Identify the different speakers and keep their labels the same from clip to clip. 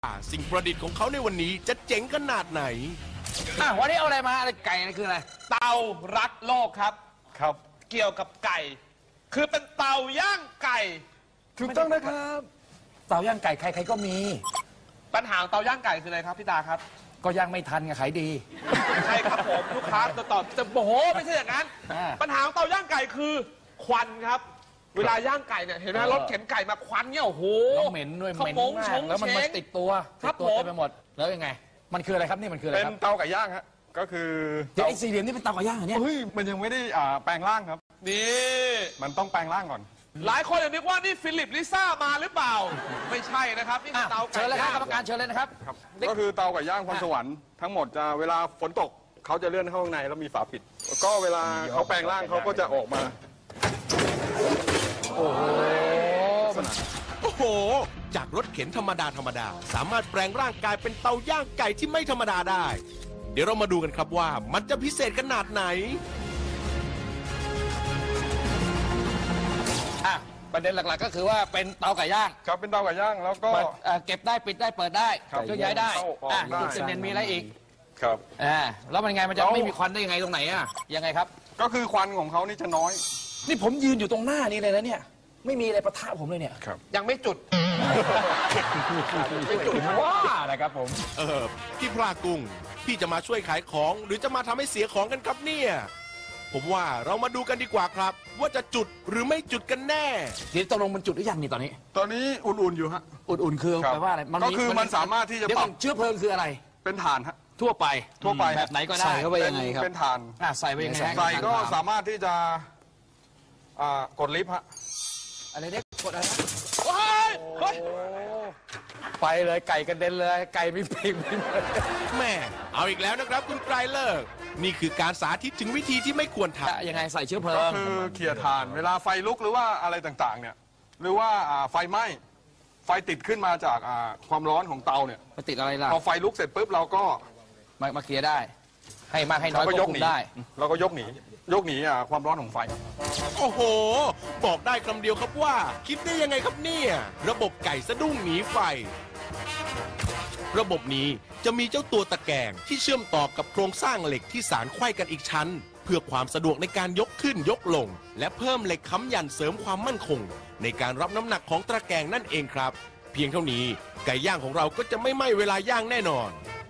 Speaker 1: สิ่งประดิษฐ์ของเขาในวันนี้จะเจ๋งขนาดไหน
Speaker 2: วันนี้เอาอะไรมาอะไรไก่นี่คืออะไร
Speaker 3: เตารักโลกครับเกี่ยวกับไก่คือเป็นเตาย่างไก่
Speaker 2: ถูกต้องนะครับเตาย่างไก่ใครๆก็มี
Speaker 3: ปัญหาเตาย่างไก่คืออะไรครับพี่ตาครับ
Speaker 2: ก็ย่างไม่ทันไงขายดี
Speaker 3: ใช่ครับผมลูกค้าตอบจะโอ้โหไม่ใช่อย่างนั้นปัญหาของเตาย่างไก่คือควันครับเวลาย่างไก่เนี่ยเห็นไหมรถเข็นไก่มาควันเนี่ยโอ้โห
Speaker 2: เหม็นด้วยเหม็นมากแล้วมันติดตัวเต็มไปหมดแล้วยังไงมันคืออะไรครับนี่มันคืออะไรครับ
Speaker 4: เป็นเตาไก่ย่างฮะก็คือ
Speaker 2: ไอ้สี่เหลี่ยมนี่เป็นเตาไก่ย่างเนี่ย
Speaker 4: เฮ้ยมันยังไม่ได้แปลงร่างครับ
Speaker 3: นี่
Speaker 4: มันต้องแปลงร่างก่อน
Speaker 3: หลายคนนึกว่านี่ฟิลิปลิซ่ามาหรือเปล่าไม่ใช่นะครับนี่คือเตาไก่
Speaker 2: ย่างเชิญเลยครับกรรมการเชิญเลยนะครับ
Speaker 4: ก็คือเตาไก่ย่างพรสวรรค์ทั้งหมดจะเวลาฝนตกเขาจะเลื่อนเข้าข้างในแล้วมีฝาปิดก็เวลาเขาแปลงร่างเขาก็จะออกมา
Speaker 1: โอ้โหจากรถเข็นธรรมดาสามารถแปลงร่างกายเป็นเตาย่างไก่ที่ไม่ธรรมดาได้เดี๋ยวเรามาดูกันครับว่ามันจะพิเศษขนาดไหน
Speaker 2: ประเด็นหลักๆก็คือว่าเป็นเตาไก่ย่าง
Speaker 4: ครับเป็นเตาไก่ย่างแล้วก็
Speaker 2: เก็บได้ปิดได้เปิดได้เคลื่อนย้ายได้จุดเด่นมีอะไรอีก
Speaker 4: ครับ
Speaker 2: แล้วมันไงมันจะไม่มีควันได้ยังไงตรงไหนยังไงครับ
Speaker 4: ก็คือควันของเขานี่จะน้อย
Speaker 2: นี่ผมยืนอยู่ตรงหน้านี้เลยนะเนี่ยไม่มีอะไรปะทะผมเลยเนี่ย
Speaker 3: ยังไม่จุด
Speaker 2: ไม่จุดว่านะครับผม
Speaker 1: พี่พลากุ้งพี่จะมาช่วยขายของหรือจะมาทำให้เสียของกันครับเนี่ยผมว่าเรามาดูกันดีกว่าครับว่าจะจุดหรือไม่จุดกันแน่
Speaker 2: เดี๋ยวตกลงมันจุดหรือยังนี่ตอนนี้
Speaker 4: อุ่นๆอยู่ฮะ
Speaker 2: อุ่นๆคือแปลว่าอะไร
Speaker 4: ก็คือมันสามารถที่จะปรับ
Speaker 2: เชื้อเพลิงคืออะไร
Speaker 4: เป็นถ่านฮะ
Speaker 2: ทั่วไป
Speaker 4: แบบ
Speaker 2: ไหนก็ได้ใส่เข้าไปยังไงครับ
Speaker 4: เป็นถ่าน
Speaker 2: ใส่ไปยังไง
Speaker 4: ใส่ก็สามารถที่จะกดลิฟต์ฮะ
Speaker 2: อะไรเนี่ยกดอะไรไปเลยไก่กระเด็นเลยไก่มีปีก
Speaker 1: แม่เอาอีกแล้วนะครับคุณไกรเลิกนี่คือการสาธิตถึงวิธีที่ไม่ควรท
Speaker 2: ำยังไงใส่เชื้อเพลิง
Speaker 4: ก็คือเขี่ยถ่านเวลาไฟลุกหรือว่าอะไรต่างๆเนี่ยหรือว่าไฟไหม้ไฟติดขึ้นมาจากความร้อนของเตาเนี่ย
Speaker 2: มาติดอะไรล่ะ
Speaker 4: พอไฟลุกเสร็จปุ๊บเราก็
Speaker 2: มาเคลียร์ได้ให้มากให้น้อยก็ยกหนีได้
Speaker 4: เราก็ยกหนีความร้อนของไฟ
Speaker 1: โอ้โหบอกได้คำเดียวครับว่าคิดได้ยังไงครับเนี่ยระบบไก่สะดุ้งหนีไฟระบบนี้จะมีเจ้าตัวตะแกรงที่เชื่อมต่อกับโครงสร้างเหล็กที่สานไขว้กันอีกชั้นเพื่อความสะดวกในการยกขึ้นยกลงและเพิ่มเหล็กค้ำยันเสริมความมั่นคงในการรับน้ำหนักของตะแกรงนั่นเองครับเพียงเท่านี้ไก่ย่างของเราก็จะไม่ไหม้เวลาย่างแน่นอน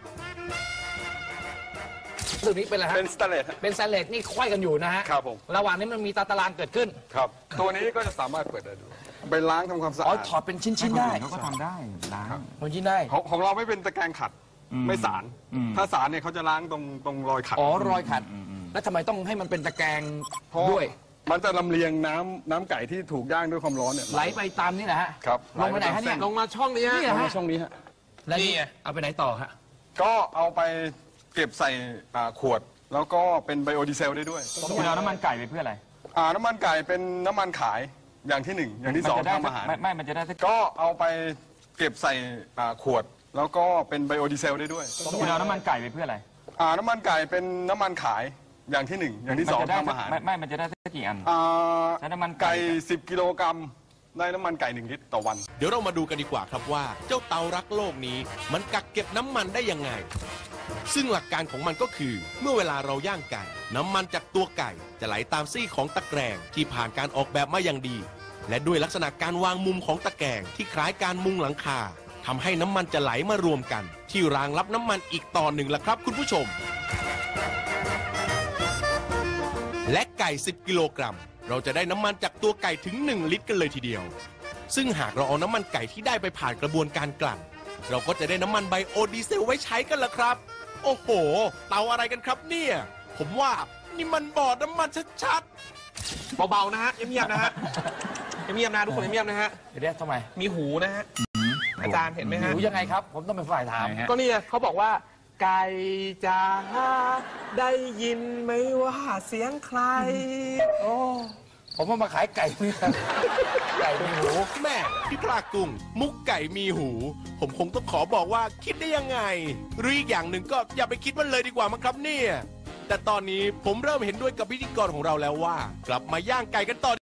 Speaker 2: ตัวนี้เป็นอะไรฮะ
Speaker 4: เป็นสแตนเลส
Speaker 2: เป็นสแตนเลสนี่ไขว้กันอยู่นะฮะ
Speaker 4: ครับผม
Speaker 2: ระหว่างนี้มันมีตารางเกิดขึ้น
Speaker 4: ครับตัวนี้ก็จะสามารถเปิดได้ดูไปล้างทำความสะอาด
Speaker 2: ถอดเป็นชิ้นๆได้
Speaker 4: เขาก็ทำได้ล้าง
Speaker 2: เป็นชิ้นได้
Speaker 4: ของเราไม่เป็นตะแกรงขัดไม่สารถ้าสารเนี่ยเขาจะล้างตรงรอยขัด
Speaker 2: รอยขัดแล้วทำไมต้องให้มันเป็นตะแกรงด้วย
Speaker 4: มันจะลำเลียงน้ำไก่ที่ถูกย่างด้วยความร้อนเนี่ย
Speaker 2: ไหลไปตามนี่แหละฮะ
Speaker 4: ครับ
Speaker 2: ลงไปไหนฮะเนี่ย
Speaker 3: ลงมาช่องนี้ฮะ
Speaker 4: ลงมาช่องนี้ฮะ
Speaker 2: แล้วนี่เอาไปไหนต่อฮะ
Speaker 4: ก็เอาไปเก็บใส่ขวดแล้วก็เป็นไบโอดีเซลได้ด้วย
Speaker 2: คุณเอาน้ำมันไก่ไปเพื่ออะไร
Speaker 4: น้ำมันไก่เป็นน้ำมันขายอย่างที่1อย่างที่2ทำอาหาร
Speaker 2: ไม่มันจะได้
Speaker 4: ก็เอาไปเก็บใส่ขวดแล้วก็เป็นไบโอดีเซลได้ด้วย
Speaker 2: คุณเอาน้ำมันไก่ไปเพื่ออะไร
Speaker 4: น้ำมันไก่เป็นน้ำมันขายอย่างที่1อย่างที่2ทำอาหาร
Speaker 2: ไม่มันจะได้กี่อัน
Speaker 4: ใช้น้ำมันไก่10 กิโลกรัมได้น้ำมันไก่1 ลิตรต่อวัน
Speaker 1: เดี๋ยวเรามาดูกันดีกว่าครับว่าเจ้าเตารักโลกนี้มันกักเก็บน้ำมันได้ยังไงซึ่งหลักการของมันก็คือเมื่อเวลาเราย่างไก่น้ำมันจากตัวไก่จะไหลตามซี่ของตะแกรงที่ผ่านการออกแบบมาอย่างดีและด้วยลักษณะการวางมุมของตะแกรงที่คล้ายการมุงหลังคาทำให้น้ำมันจะไหลมารวมกันที่รางรับน้ำมันอีกต่อหนึ่งล่ะครับคุณผู้ชมและไก่10 กิโลกรัมเราจะได้น้ำมันจากตัวไก่ถึง1 ลิตรกันเลยทีเดียวซึ่งหากเราเอาน้ำมันไก่ที่ได้ไปผ่านกระบวนการกลั่นเราก็จะได้น้ำมันไบโอดีเซลไว้ใช้กันล่ะครับโอ้โหเตาอะไรกันครับเนี่ยผมว่านี่มันบ่อน้ำมันชัด
Speaker 3: ๆเบาๆนะฮะเงียบๆนะฮะเงียบๆนะทุกคนเงียบๆนะฮะ
Speaker 2: เดี๋ยวทำไม
Speaker 3: มีหูนะฮะอาจารย์เห็นไหมฮะ
Speaker 2: หูยังไงครับผมต้องเป็นฝ่ายถาม
Speaker 3: ก็นี่เขาบอกว่าไก่จ๋าได้ยินไหมว่าเสียงใคร
Speaker 2: โอ้ผมว่ามาขายไก่เนี่ยไก่มีหู
Speaker 1: แม่พี่ปลากุ้งมุกไก่มีหูผมคงต้องขอบอกว่าคิดได้ยังไงหรืออีกอย่างหนึ่งก็อย่าไปคิดมันเลยดีกว่ามั้งครับเนี่ยแต่ตอนนี้ผมเริ่มเห็นด้วยกับพิธีกรของเราแล้วว่ากลับมาย่างไก่กันต่อ